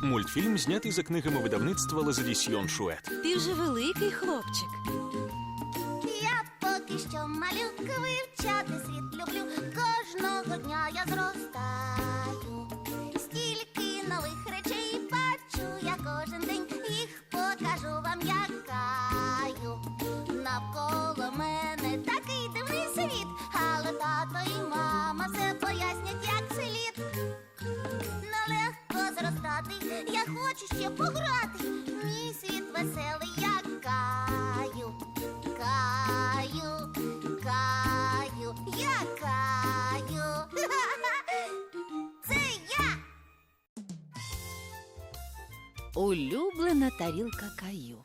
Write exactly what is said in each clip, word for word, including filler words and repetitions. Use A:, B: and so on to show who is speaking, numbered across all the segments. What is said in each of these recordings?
A: Мультфільм знятий за книгами видавництва Лазадісьйон Шует.
B: Ти вже великий хлопчик.
C: Я поки що малюка, вивчати світ люблю. Кожного дня я зростаю. Стільки нових речей бачу я кожен день. Їх покажу вам, якаю. Навколо мене такий дивний світ, але тато і мама все пояснять, як слід. Нелегко зростати, я хочу ще пограти. Мій світ веселий, я каю. Каю, каю, я каю. Це я.
B: Улюблена тарілка Каю.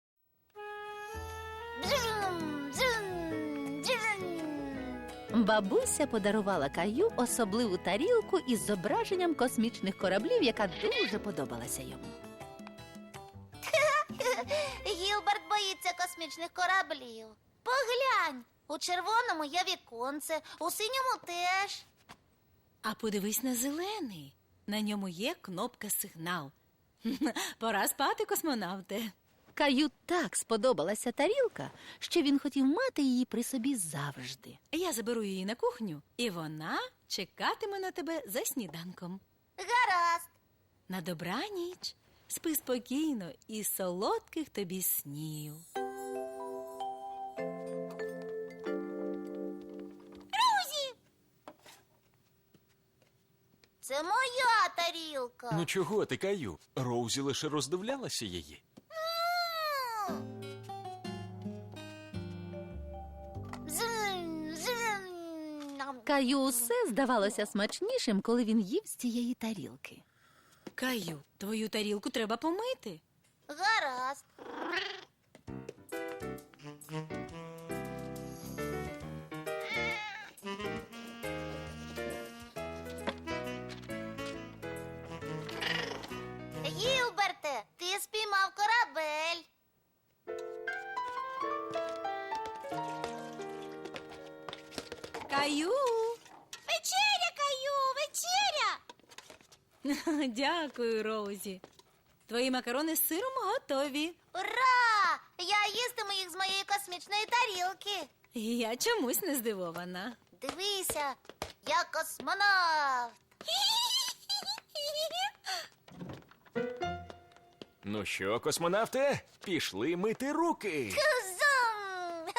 C: Бжум, бжум, бжум.
B: Бабуся подарувала Каю особливу тарілку із зображенням космічних кораблів, яка дуже подобалася йому.
C: Гілберт боїться космічних кораблів. Поглянь, у червоному є віконце, у синьому теж.
B: А подивись на зелений. На ньому є кнопка сигнал. Пора спати, космонавте. Каю так сподобалася тарілка, що він хотів мати її при собі завжди. Я заберу її на кухню, і вона чекатиме на тебе за сніданком.
C: Гаразд.
B: На добраніч. Спи спокійно і солодких тобі снів.
C: Друзі! Це моя тарілка.
A: Ну чого ти, Каю? Роузі лише роздивлялася її.
C: М. Зм, зм. Нам.
B: Каю усе здавалося смачнішим, коли він їв з цієї тарілки. Каю, твою тарілку треба помити.
C: Гаразд. Гілберте, ти спіймав корабель.
B: Каю!
C: Вечеря, Каю, вечеря!
B: Дякую, Роузі. Твої макарони з сиром готові.
C: Ура! Я їстиму їх з моєї космічної тарілки.
B: Я чомусь не здивована.
C: Дивися, я космонавт.
A: Ну що, космонавте, пішли мити руки.
C: Зум!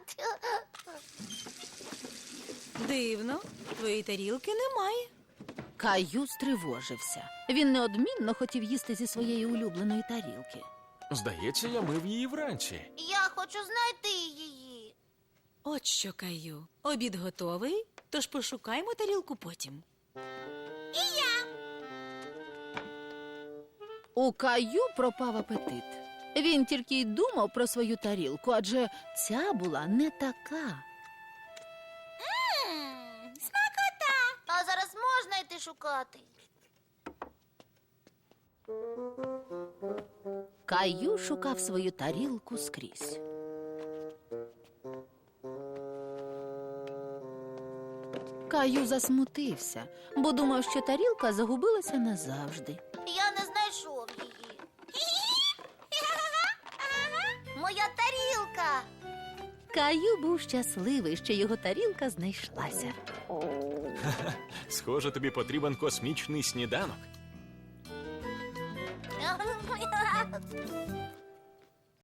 B: Дивно, твоєї тарілки немає. Каю стривожився. Він неодмінно хотів їсти зі своєї улюбленої тарілки.
A: Здається, я мив її вранці.
C: Я хочу знайти її.
B: От що, Каю, обід готовий, тож пошукаймо тарілку потім.
C: І я.
B: У Каю пропав апетит. Він тільки й думав про свою тарілку, адже ця була не така.
C: М, Смакота. А зараз можна йти шукати.
B: Каю шукав свою тарілку скрізь. Каю засмутився, бо думав, що тарілка загубилася назавжди.
C: Я не знайшов її. Моя тарілка.
B: Каю був щасливий, що його тарілка знайшлася.
A: Схоже, тобі потрібен космічний сніданок.